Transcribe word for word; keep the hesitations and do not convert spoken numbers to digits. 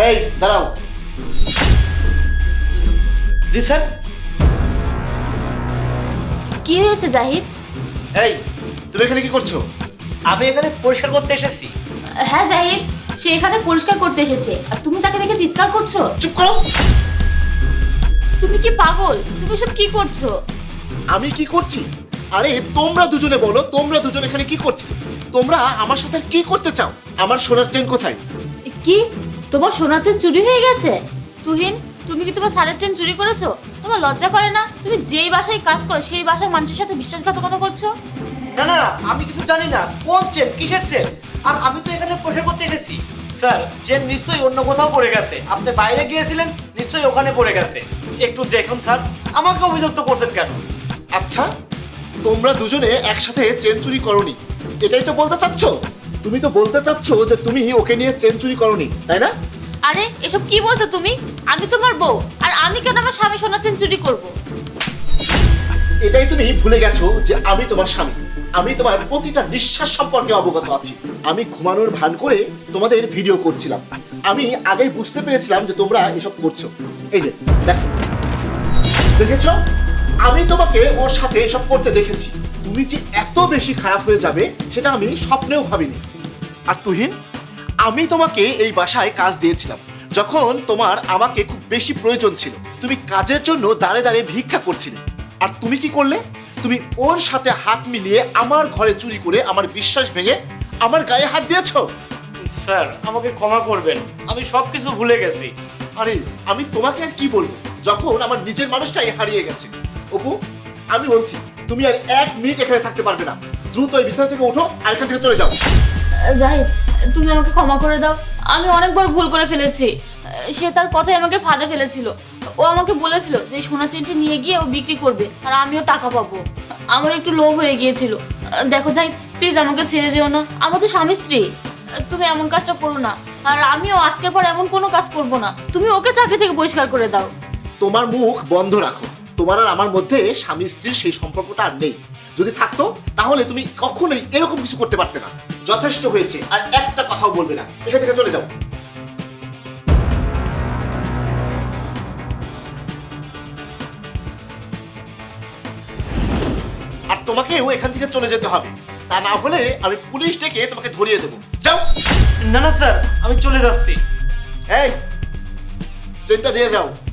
এই দাঁড়াও। জি স্যার। কি হয়েছে জাহিদ? এই তুমি এখানে কি করছো? আমি এখানে পরিষ্কার করতে এসেছি। হ্যাঁ জাহিদ, সে এখানে পরিষ্কার করতে এসেছে আর তুমি তাকে দেখে চিৎকার করছো। চুপ করো। তুমি কি পাগল? তুমি সব কি করছো? আমি কি করছি? আরে তোমরা দুজনে বলো, তোমরা দুজন এখানে কি করছো? তোমরা আমার সাথে কি করতে চাও? আমার সোনার চেন কোথায়? কি তোমার সোনার চেন চুরি হয়ে গেছে? তুহিন, তুমি কি তোমার স্যারের চেন চুরি করেছো? তোমার লজ্জা করে না? তুমি যেই বাসায় কাজ করো সেই বাসার মানুষের সাথে বিশ্বাসঘাতকতা করছো। না না, আমি কিছু জানি না। কোন চেন, কিসের চেন? আর আমি তো এখানে পরিষ্কার করতে এসেছি। স্যার, চেন নিশ্চয়ই অন্য কোথাও পড়ে গেছে। আপনি বাইরে গিয়েছিলেন, নিশ্চয়ই ওখানে পড়ে গেছে। একটু দেখুন স্যার, আমাকে অভিযুক্ত করছেন কেন? আচ্ছা, তোমরা দুজনে একসাথে চেন চুরি করোনি, এটাই তো বলতে চাচ্ছ? তুমি তো বলতে চাচ্ছ যে তুমি ওকে নিয়ে চেন চুরি করোনি, তাই না? আরে এসব কি বলছো তুমি? আমি তোমার বউ, আর আমি কেন আমার স্বামী সোনার চেন চুরি করবো? এটাই তুমি ভুলে গেছো যে আমি তোমার স্বামী। আমি তোমার প্রতিটা নিঃশ্বাস সম্পর্কে অবগত আছি। আমি ঘুমানোর ভান করে তোমাদের ভিডিও করছিলাম। আমি আগেই বুঝতে পেরেছিলাম যে তোমরা এসব করছো। এই যে দেখো, দেখেছো? আমি তোমাকে ওর সাথে এসব করতে দেখেছি। তুমি যে এত বেশি খারাপ হয়ে যাবে সেটা আমি স্বপ্নেও ভাবিনি। আর তুহিন, আমি তোমাকে এই বাসায় কাজ দিয়েছিলাম যখন তোমার আমাকে খুব বেশি প্রয়োজন ছিল। তুমি কাজের জন্য দাঁড়ে দাঁড়িয়ে ভিক্ষা করছিলে, আর তুমি কি করলে? তুমি ওর সাথে হাত মিলিয়ে আমার ঘরে চুরি করে আমার বিশ্বাস ভেঙে আমার গায়ে হাত দিয়েছো। স্যার, আমাকে ক্ষমা করবেন, আমি সব কিছু ভুলে গেছি। আরে আমি তোমাকে আর কি বলবো যখন আমার নিজের মানুষটাই হারিয়ে গেছে। অপু, আমি বলছি তুমি আর এক মিনিট এখানে থাকতে পারবে না। দ্রুত এই বিছানা থেকে ওঠো আর এখান থেকে চলে যাও। জাহিদ, তুমি আমাকে ক্ষমা করে দাও। আমি অনেকবার ভুল করে ফেলেছি। সে তার কথাই আমাকে ফাঁদে ফেলেছিল। ও আমাকে বলেছিল যে সোনা চেনটি নিয়ে গিয়ে ও বিক্রি করবে আর আমিও টাকা পাবো। আমার একটু লোভ হয়ে গিয়েছিল। দেখো জাহিদ, প্লিজ আমাকে ছেড়ে যেও না। আমরা তো স্বামী স্ত্রী। তুমি এমন কাজটা করো না, আর আমিও আজকের পর এমন কোনো কাজ করব না। তুমি ওকে চাকরি থেকে বহিষ্কার করে দাও। তোমার মুখ বন্ধ রাখো। তোমার আর আমার মধ্যে স্বামী স্ত্রীর সেই সম্পর্কটা আর নেই। যদি থাকতো তাহলে তুমি কখনোই এরকম কিছু করতে পারতে না। যথেষ্ট হয়েছে, আর একটা কথাও বলবে না। এখান থেকে চলে যাও। আর তোমাকেও এখান থেকে চলে যেতে হবে, তা না হলে আমি পুলিশ ডেকে তোমাকে ধরিয়ে দেবো। যাও। না না স্যার, আমি চলে যাচ্ছি। এই চেনটা দিয়ে যাও।